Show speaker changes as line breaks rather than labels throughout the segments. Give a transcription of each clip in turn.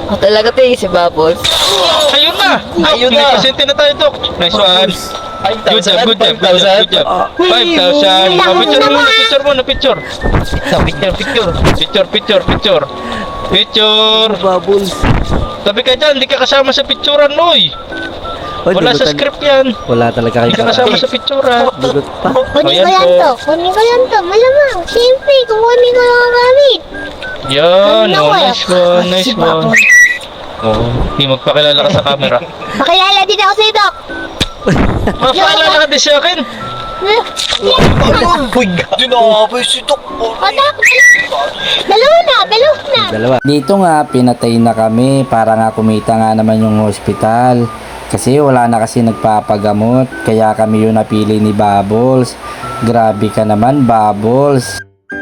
Talaga to si Bubbles.
Ayun na!
Ayun na.
Presente na tayo, Dok. Nice one. Good job, good job, good job, good job. 5,000. Picture muna, picture. Picture.
Bubbles.
Sabi ka dyan, hindi ka kasama sa picturean, Noy.
Oy,
Wala sa
dugutan.
script yan.
Wala talaga
Hindi ka
kayo.
kasama sa picturean.
Dugot pa.
Kunin ko
Ayan
yan
po.
to. Kunin ko yan to. Malamang. Siyempre, kukunin ko lang ang gamit.
Yan,
Ano
oh,
ko eh?
nice one. Oh, hindi magpakilala ka sa camera.
Makilala din ako sa'yo, Doc.
Mapakilala ka din sa akin.
Uy, ginawa si Dok.
O, Doc. Dalawa na.
Dalawa.
Dito nga, pinatay na kami para nga kumita nga naman yung hospital. Kasi wala na kasi nagpapagamot. Kaya kami yung napili ni Bubbles. Grabe ka naman, Bubbles.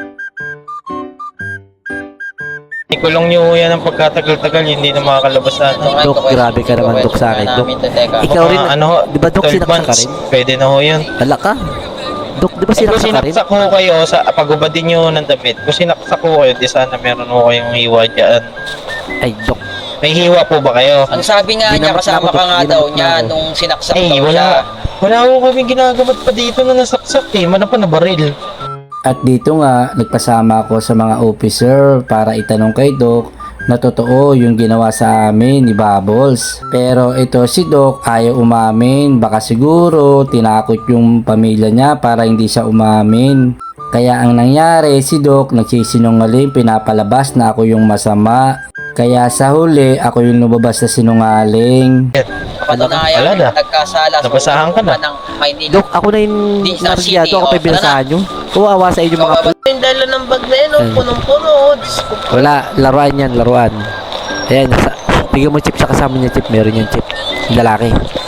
Ikulong nyo yan ng pagkatagal-tagal, hindi na makakalabas na.
Dok, grabe ka naman, Dok, sa akin, Dok. Ikaw rin,
Ano,
di ba, Dok,
12
sinaksak ka
months,
rin?
pwede na ho yun.
Hala ka. Dok, di ba
Kung
sinaksak ka rin?
sinaksak ho kayo, sa pagubadin nyo ng damit, kung sinaksak ho kayo, di sana meron ho kayong hiwa dyan.
Ay, Dok.
May hiwa po ba kayo?
Ang sabi nga niya,
Ginamat
kasama
na ako,
ka nga
Dok.
daw
Ginamat
niya
na ako.
nung sinaksak
Eh,
daw siya.
wala ho kaming ginagamat pa dito na nasaksak eh. Mana pa na baril.
At dito nga, nagpasama ako sa mga officer para itanong kay Doc na totoo yung ginawa sa amin ni Bubbles. Pero ito si Doc ayaw umamin. Baka siguro tinakot yung pamilya niya para hindi siya umamin. Kaya ang nangyari, si Doc nagsisinungaling, pinapalabas na ako yung masama. Kaya sa huli, ako yung lumabas na sinungaling.
Patunayan
Wala na.
nagkasala sa
Nabasahan ka na.
ng Maynila.
Dok, ako na yung
Di, sa
narigado.
city,
Ako pa
oh,
yung binasahan nyo. Kawawa sa inyo mga
Yung dala ng bag na yun,
Ayun.
punong-puno.
Wala, laruan yan, laruan. Ayan, bigyan mo chip sa kasama niya, chip. Meron yung chip. Lalaki.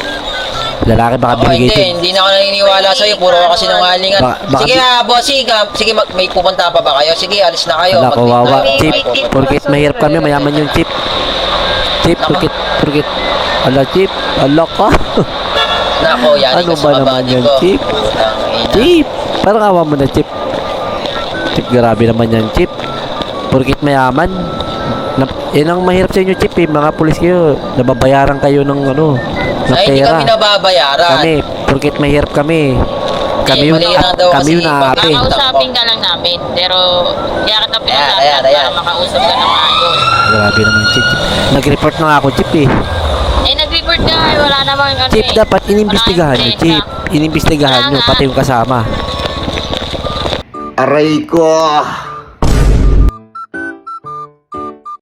Lalaki, baka
Ako
binigay chip.
hindi na ako naniniwala sa'yo. Puro ka kasi nungalingan.
Baka-
Sige bossing, sige may pupunta pa ba kayo? Sige, alis na kayo.
Wala, kawawa.
Mag-
Chip, porkit mahirap kami, mayaman yung chip. Chip, porkit. Ala, chip. Ala ka.
Nako, yan.
Ano ba naman yan, Chip? Chip. Parang awa mo na, Chip. Chip, grabe naman yan, Chip. Porkit mayaman. Yan ang mahirap sa inyo, Chip, eh. Mga pulis kayo. Nababayaran kayo ng ano, ng
Ay, hindi
pera.
kami nababayaran.
Kami, porkit mahirap kami. Kami yung,
mali lang daw
kami
kasi
yung naapi.
pag-
Kakausapin ka lang namin. Pero, kaya kita
Ayan,
pinasasad
ayan.
para makausap ka na maayos.
Grabe naman, Chip. Nag-report na nga ako, Chip, eh.
Eh, nag-report ka. Wala namang ano
Chip,
eh.
dapat inimbestigahan nyo,
Wala
Chip.
check
Inimbestigahan nyo, pati yung kasama.
Aray ko!